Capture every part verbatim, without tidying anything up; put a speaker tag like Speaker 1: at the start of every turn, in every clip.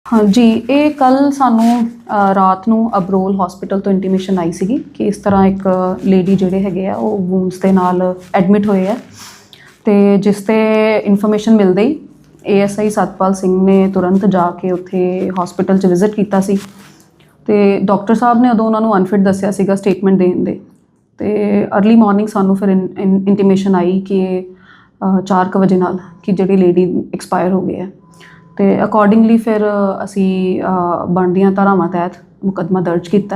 Speaker 1: हाँ जी, ये कल सानू रात नू अबरोल हॉस्पिटल तो इंटीमेशन आई सी कि इस तरह एक लेडी जिहड़े हैगे आ वो वूंड्स के नाल एडमिट होए है तो जिसते इन्फॉर्मेशन मिलते ही A S I Satpal Singh ने तुरंत जाके उत्थे हॉस्पिटल च विजिट किया सी ते डॉक्टर साहब ने उदों उन्होंने अनफिट दस्सिया सीगा स्टेटमेंट देण दे ते अर्ली मॉर्निंग सानू फिर इन, इन, इंटीमेशन आई कि चार क बजे नाल कि जिहड़ी लेडी एक्सपायर हो गई है तो अकॉर्डिंगली फिर असी बनदियां धारावां तहत मुकदमा दर्ज किया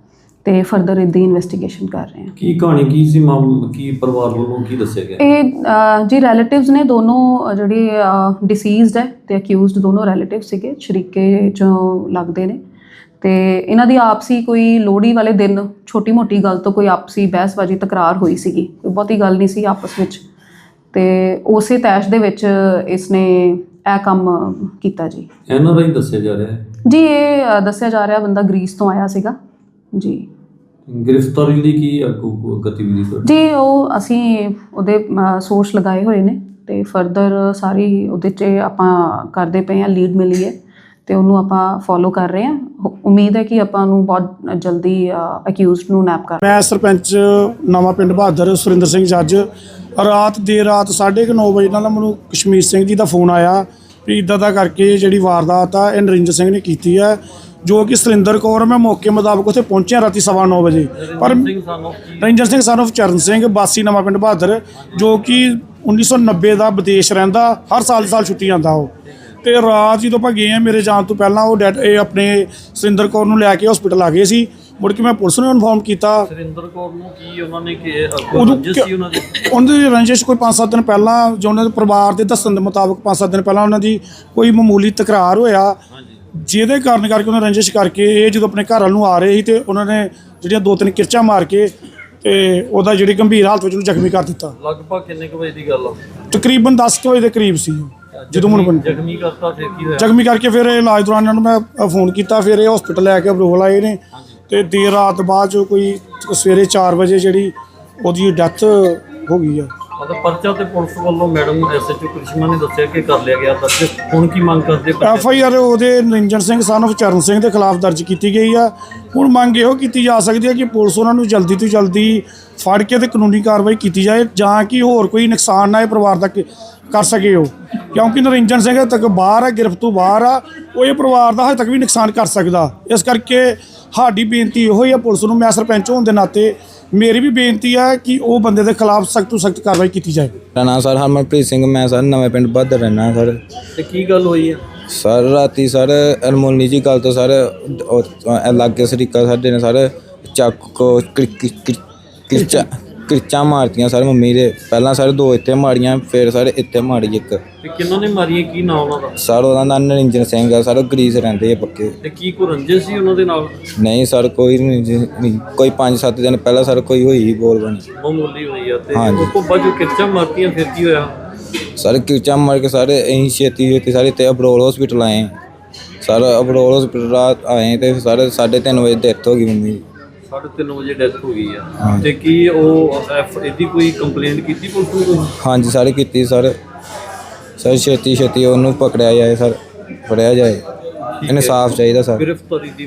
Speaker 1: ते फर्दर इदी इन्वेस्टिगेशन कर रहे हैं।
Speaker 2: की कहानी की सी मामला की परिवार वालों की दस्सिया गया?
Speaker 1: ये जी रिलेटिव्स ने दोनों जिहड़े डिसीज़ड है ते अक्यूज़ड दोनों रिलेटिव सीगे शरीके चों लगदे ने ते इन्हां दी आपसी कोई लोहड़ी वाले दिन छोटी मोटी गल तो कोई आपसी बहसबाजी तकरार हुई सीगी, कोई बहुती गल नहीं सी आपस विच ते उसे तैश दे विच इसने ਇਹ ਕੰਮ ਕੀਤਾ ਜੀ।
Speaker 2: ਐਨ ਆਰ ਆਈ ਦੱਸਿਆ ਜਾ ਰਿਹਾ ਹੈ
Speaker 1: ਜੀ, ਇਹ ਦੱਸਿਆ ਜਾ ਰਿਹਾ ਬੰਦਾ ਗ੍ਰੀਸ ਤੋਂ ਆਇਆ ਸੀਗਾ ਜੀ।
Speaker 2: ਗ੍ਰਿਫਤਾਰੀ ਲਈ ਕੀ ਅੱਗੋਂ ਗਤੀਵਿਧੀ ਤੁਹਾਡੀ?
Speaker 1: ਜੀ ਉਹ ਅਸੀਂ ਉਹਦੇ ਸੋਰਸ ਲਗਾਏ ਹੋਏ ਨੇ ਤੇ ਫਰਦਰ ਸਾਰੀ ਉਹਦੇ 'ਚ ਆਪਾਂ ਕਰਦੇ ਪਏ ਹਾਂ, ਲੀਡ ਮਿਲੀ ਹੈ ਤੇ ਉਹਨੂੰ ਆਪਾਂ ਫੋਲੋ ਕਰ ਰਹੇ ਹਾਂ। ਉਮੀਦ ਹੈ ਕਿ ਆਪਾਂ ਨੂੰ ਬਹੁਤ ਜਲਦੀ ਅਕਿਊਜ਼ਡ ਨੂੰ ਨੈਪ ਕਰ।
Speaker 3: ਮੈਂ ਸਰਪੰਚ ਨਵਾਂ ਪਿੰਡ ਬਹਾਦਰ ਸੁਰਿੰਦਰ ਸਿੰਘ ਜੱਜ ਰਾਤ ਦੇਰ ਰਾਤ ਸਾਢੇ ਕੁ ਨੌ ਵਜੇ ਨਾਲ ਮੈਨੂੰ ਕਸ਼ਮੀਰ ਸਿੰਘ ਜੀ ਦਾ ਫੋਨ ਆਇਆ ਵੀ ਇੱਦਾਂ ਦਾ ਕਰਕੇ ਜਿਹੜੀ ਵਾਰਦਾਤ ਆ ਇਹ ਨਰਿੰਦਰ ਸਿੰਘ ਨੇ ਕੀਤੀ ਹੈ, ਜੋ ਕਿ ਸੁਰਿੰਦਰ ਕੌਰ। ਮੈਂ ਮੌਕੇ ਮੁਤਾਬਕ ਉੱਥੇ ਪਹੁੰਚਿਆ ਰਾਤੀ ਸਵਾ ਨੌ ਵਜੇ। ਪਰ ਨਰਿੰਦਰ ਸਿੰਘ ਸਨ ਆਫ ਚਰਨ ਸਿੰਘ ਵਾਸੀ ਨਵਾਂ ਪਿੰਡ ਬਹਾਦਰ, ਜੋ ਕਿ ਉੱਨੀ ਸੌ ਨੱਬੇ ਦਾ ਵਿਦੇਸ਼ ਰਹਿੰਦਾ, ਹਰ ਸਾਲ ਸਾਲ ਛੁੱਟੀ ਜਾਂਦਾ ਉਹ। ਤੇ ਰਾਤ ਜਦੋਂ ਆਪਾਂ ਗਏ ਆ ਮੇਰੇ ਜਾਣ ਤੋਂ ਪਹਿਲਾਂ ਉਹ ਡੈਡ ਇਹ ਆਪਣੇ ਸੁਰਿੰਦਰ ਕੌਰ ਨੂੰ ਲੈ ਕੇ ਹਸਪੀਟਲ ਆ ਗਏ ਸੀ। ਮੁੜ ਕੇ ਮੈਂ ਪੁਲਿਸ ਨੂੰ ਇਨਫੋਰਮ ਕੀਤਾ।
Speaker 2: ਸੁਰਿੰਦਰ ਕੌਰ ਨੂੰ ਕੀ ਉਹਨਾਂ ਨੇ ਕਿ ਰੰਜਿਸ਼ ਸੀ ਉਹਨਾਂ ਦੀ?
Speaker 3: ਉਹਨਾਂ ਦੀ ਰੰਜਿਸ਼ ਕੋਈ ਪੰਜ ਸੱਤ ਦਿਨ ਪਹਿਲਾਂ, ਜੋ ਉਹਨਾਂ ਦੇ ਪਰਿਵਾਰ ਦੇ ਦੱਸਣ ਦੇ ਮੁਤਾਬਕ ਪੰਜ ਸੱਤ ਦਿਨ ਪਹਿਲਾਂ ਉਹਨਾਂ ਦੀ ਕੋਈ ਮਾਮੂਲੀ ਤਕਰਾਰ ਹੋਇਆ, ਜਿਹਦੇ ਕਾਰਨ ਕਰਕੇ ਉਹਨਾਂ ਰੰਜਿਸ਼ ਕਰਕੇ ਇਹ ਜਦੋਂ ਆਪਣੇ ਘਰ ਵੱਲ ਨੂੰ ਆ ਰਹੇ ਸੀ ਤੇ ਉਹਨਾਂ ਨੇ ਜਿਹੜੀਆਂ ਦੋ ਤਿੰਨ ਕਿਰਚਾਂ ਮਾਰ ਕੇ ਤੇ ਉਹਦਾ ਜਿਹੜੀ ਗੰਭੀਰ ਹਾਲਤ ਵਿੱਚ ਉਹਨੂੰ ਜ਼ਖਮੀ ਕਰ ਦਿੱਤਾ।
Speaker 2: ਲਗਭਗ ਕਿੰਨੇ ਕੁ ਵਜੇ ਦੀ ਗੱਲ ਆ?
Speaker 3: ਤਕਰੀਬਨ ਦਸ ਕੁ ਵਜੇ ਦੇ ਕਰੀਬ ਸੀ ਜਦੋਂ ਮੈਨੂੰ
Speaker 2: ਜ਼ਖਮੀ ਕਰਤਾ। ਫਿਰ ਕੀ ਹੋਇਆ? ਜ਼ਖਮੀ
Speaker 3: ਕਰਕੇ ਫਿਰ ਇਲਾਜ ਦੌਰਾਨ ਇਹਨਾਂ ਨੂੰ ਮੈਂ ਫੋਨ ਕੀਤਾ, ਫਿਰ ਇਹ ਹਸਪੀਟਲ ਲੈ ਕੇ ਅਬਰੋਲ ਆਏ ਨੇ ਤੇ ਦੇਰ ਰਾਤ ਬਾਅਦ ਜੋ ਕੋਈ ਸਵੇਰੇ ਚਾਰ ਵਜੇ ਜਿਹੜੀ ਉਹਦੀ ਡੈਥ ਹੋ ਗਈ ਆ।
Speaker 2: ਮਤਲਬ ਪਰਚਾ ਤੇ ਪੁਲਿਸ ਵੱਲੋਂ madam S H O Karishma ਨੇ ਦੱਸਿਆ ਕਿ ਕਰ ਲਿਆ ਗਿਆ ਦਰਜ। ਹੁਣ ਕੀ ਮੰਗ ਕਰਦੇ?
Speaker 3: ਐਫ ਆਈ ਆਰ ਉਹਦੇ ਨਰਿੰਦਰ ਸਿੰਘ ਸਨ ਆਫ ਚਰਨ ਸਿੰਘ ਦੇ ਖਿਲਾਫ ਦਰਜ ਕੀਤੀ ਗਈ ਆ। ਹੁਣ ਮੰਗ ਇਹੋ ਕੀਤੀ ਜਾ ਸਕਦੀ ਹੈ ਕਿ ਪੁਲਿਸ ਉਹਨਾਂ ਨੂੰ ਜਲਦੀ ਤੋਂ ਜਲਦੀ ਫੜ ਕੇ ਤੇ ਕਾਨੂੰਨੀ ਕਾਰਵਾਈ ਕੀਤੀ ਜਾਏ, ਜਾਂ ਕਿ ਹੋਰ ਕੋਈ ਨੁਕਸਾਨ ਨਾ ਇਹ ਪਰਿਵਾਰ ਦਾ ਕਰ ਸਕੇ ਉਹ, ਕਿਉਂਕਿ ਨਰਿੰਦਰ ਸਿੰਘ ਹਜੇ ਤੱਕ ਬਾਹਰ ਆ, ਗ੍ਰਿਫਤ ਤੋਂ ਬਾਹਰ ਆ, ਉਹ ਇਹ ਪਰਿਵਾਰ ਦਾ ਹਜੇ ਤੱਕ ਵੀ ਨੁਕਸਾਨ ਕਰ ਸਕਦਾ। ਇਸ ਕਰਕੇ ਸਾਡੀ ਬੇਨਤੀ ਇਹੋ ਹੀ ਆ ਪੁਲਿਸ ਨੂੰ, ਮੈਂ ਸਰਪੰਚ ਹੋਣ ਦੇ ਨਾਤੇ ਮੇਰੀ ਵੀ ਬੇਨਤੀ ਹੈ ਕਿ ਉਹ ਬੰਦੇ ਦੇ ਖਿਲਾਫ ਸਖਤ ਤੋਂ ਸਖਤ ਕਾਰਵਾਈ ਕੀਤੀ ਜਾਏ।
Speaker 4: ਮੇਰਾ ਨਾਮ ਸਰ ਹਰਮਨਪ੍ਰੀਤ ਸਿੰਘ, ਮੈਂ ਸਰ ਨਵੇਂ ਪਿੰਡ ਬਹਾਦਰ ਰਹਿਣਾ ਸਰ।
Speaker 2: ਤੇ ਕੀ ਗੱਲ ਹੋਈ ਹੈ
Speaker 4: ਸਰ? ਰਾਤੀ ਸਰ ਅਨਮੋਲੀ ਜੀ ਗੱਲ ਤੋਂ ਸਰ ਲਾਗੇ ਸਰੀਕਾ ਸਾਡੇ ਨੇ ਸਰ ਚਾਕੂ ਕਿਰਚਾ ਕਿਰਚਾਂ ਮਾਰਤੀਆਂ ਸਰ ਮੰਮੀ ਦੇ। ਪਹਿਲਾਂ ਸਰ ਦੋ ਇੱਥੇ ਮਾਰੀਆਂ, ਫਿਰ ਸਰ ਇੱਥੇ ਮਾਰੀ ਇੱਕ।
Speaker 2: ਤੇ ਕਿਹਨਾਂ ਨੇ ਮਾਰੀਆਂ? ਕੀ ਨਾਮ ਉਹਨਾਂ ਦਾ?
Speaker 4: ਸਰ ਉਹਦਾ ਨਾਮ ਨਰਿੰਦਰ ਸਿੰਘ ਆ ਸਰ, ਉਹ ਗਰੀਸ ਰਹਿੰਦੇ ਆ ਪੱਕੇ।
Speaker 2: ਤੇ ਕੀ ਕੋਈ ਰੰਜਿਸ਼ ਸੀ ਉਹਨਾਂ ਦੇ ਨਾਲ?
Speaker 4: ਨਹੀਂ ਸਰ, ਕੋਈ ਨਹੀਂ। ਕੋਈ ਪੰਜ ਸੱਤ ਦਿਨ ਪਹਿਲਾਂ ਸਰ ਕੋਈ ਹੋਈ ਬੋਲ ਬਣੀ
Speaker 2: ਮਾਮੂਲੀ ਹੋਈ ਆ। ਤੇ ਉਸ ਤੋਂ ਬਾਅਦ ਜੋ ਕਿਰਚਾਂ ਮਾਰਤੀਆਂ ਫਿਰ ਕੀ ਹੋਇਆ?
Speaker 4: ਸਰ ਕਿਰਚਾਂ ਮਾਰ ਕੇ ਸਾਰੇ ਅਸੀਂ ਛੇਤੀ ਛੇਤੀ ਸਾਰੇ ਇੱਥੇ ਅਬਰੋਲ ਹਸਪੀਟਲ ਆਏ ਸਰ। ਅਬਰੋਲ ਹਸਪੀਟਲ ਰਾਤ ਆਏ ਤੇ ਸਾਰੇ ਸਾਢੇ ਤਿੰਨ ਵਜੇ ਡੈਥ ਹੋ ਗਈ ਮੰਮੀ ਦੀ।
Speaker 2: ਸਾਢੇ ਤਿੰਨ ਵਜੇ ਡੈਥ ਹੋ ਗਈ ਆ। ਤੇ ਕੀ ਉਹ ਐਫ ਇਹਦੀ ਕੋਈ ਕੰਪਲੇਂਟ ਕੀਤੀ ਪੁਲਿਸ ਨੂੰ?
Speaker 4: ਹਾਂਜੀ ਸਾਰੇ ਕੀਤੀ ਸਰ। ਸਰ ਛੇਤੀ ਛੇਤੀ ਉਹਨੂੰ ਪਕੜਿਆ ਜਾਏ ਸਰ, ਫੜਿਆ ਜਾਏ, ਇਨਸਾਫ ਚਾਹੀਦਾ ਸਰ।
Speaker 2: ਗ੍ਰਿਫਤਾਰੀ ਦੀ